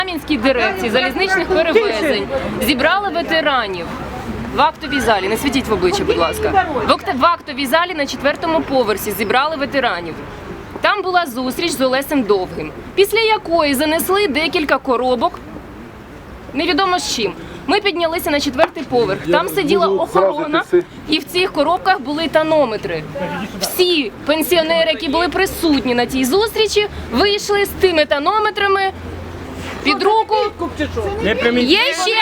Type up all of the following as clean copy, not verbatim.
Кам'янській дирекції залізничних перевезень зібрали ветеранів в актовій залі. Не світіть в обличчя, будь ласка. В актовій залі на 4-му поверсі зібрали ветеранів. Там була зустріч з Олесем Довгим, після якої занесли декілька коробок, невідомо з чим. Ми піднялися на 4-й поверх, там сиділа охорона, і в цих коробках були тонометри. Всі пенсіонери, які були присутні на тій зустрічі, вийшли з тими тонометрами під руку. Є ще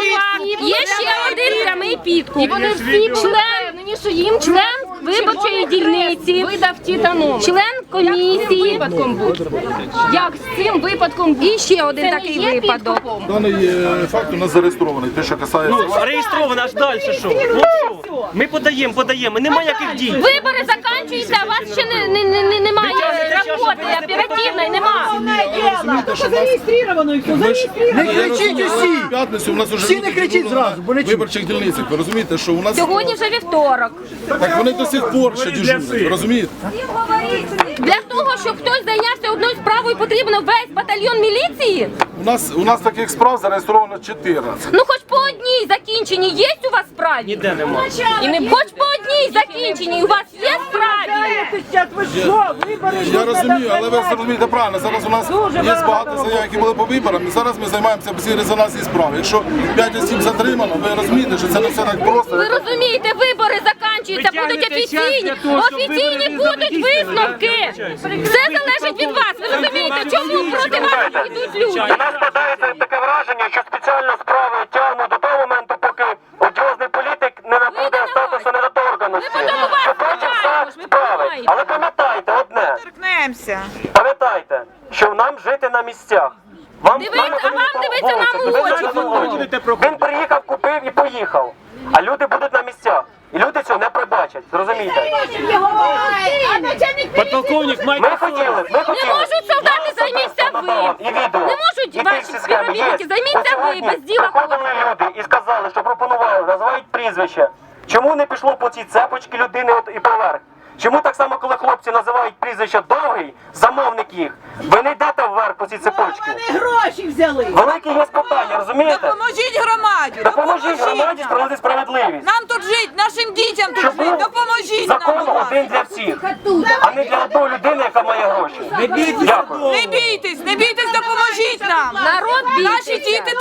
один прямий підкуп. І вони всі член виборчої дільниці видав ті тонометри. Член комісії. Випадком був. Як з цим випадком був? І ще один такий випадок. Даний факт у нас зареєстрований, те, що касається... Ну, реєстровано, аж далі що? Ну що? Ми подаємо, немає яких дій. Вибори закінчуються, а у вас ще немає роботи оперативної, немає. Зареєстровано і все, зареєстровано. Не кричіть усі! П'ятницю у нас уже Всі не кричіть зразу, бо не чують. виборчих дільницях. Ви розумієте, що у нас... Сьогодні вже вівторок. Так вони до сих пор ще дежурять, ви розумієте? Для того, щоб хтось зайнявся одною справою, потрібно весь батальйон міліції? У нас таких справ зареєстровано 14. Ну хоч по одній закінченій є у вас справі? Ніде немає. Хоч по одній закінченій у вас є справі? Ви що, вибори Я розумію, але ви зрозумієте правильно, зараз у нас є багато заяв, які були по виборам, і зараз ми займаємося всі резонансні справи. Якщо 5 осіб затримано, ви розумієте, що це не все так просто. Ви розумієте, вибори закінчуються, будуть офіційні будуть висновки. Все залежить від вас, ви розумієте, чому проти вас йдуть люди? У нас складається таке враження, що спеціально справи тягнуть до того моменту, поки одіозний політик не набуде статусу недоторканності. Що потім все справи. Але пам'ятайте одне. Пам'ятайте, що нам жити на місцях. Вам Дивіться нам у очі. Він приїхав, купив і поїхав. А люди будуть на місцях. І люди цього не пробачать. Зрозумієте? Подполковник Ми хотіли. Не можуть солдати, займіться ви. І відео. Не можуть ваші співробітники, займіться ви, без діла приходили люди і сказали, що пропонували, називають прізвище. Чому не пішло по цій цепочці людини і поверх? Чому так само, коли хлопці називають прізвище Довгий, замовник їх, ви не йдете вверх по цій цепочці? Вони гроші взяли. Велике є питання, розумієте? Допоможіть громаді! Допоможіть громаді справити справедливість. Нам тут жити, нашим дітям тут Щоб жити, був допоможіть нам! закон будь ласка. один для всіх, а не для одної людини, яка має гроші. Дякую. Не бійтесь, допоможіть нам! Народ Наші діти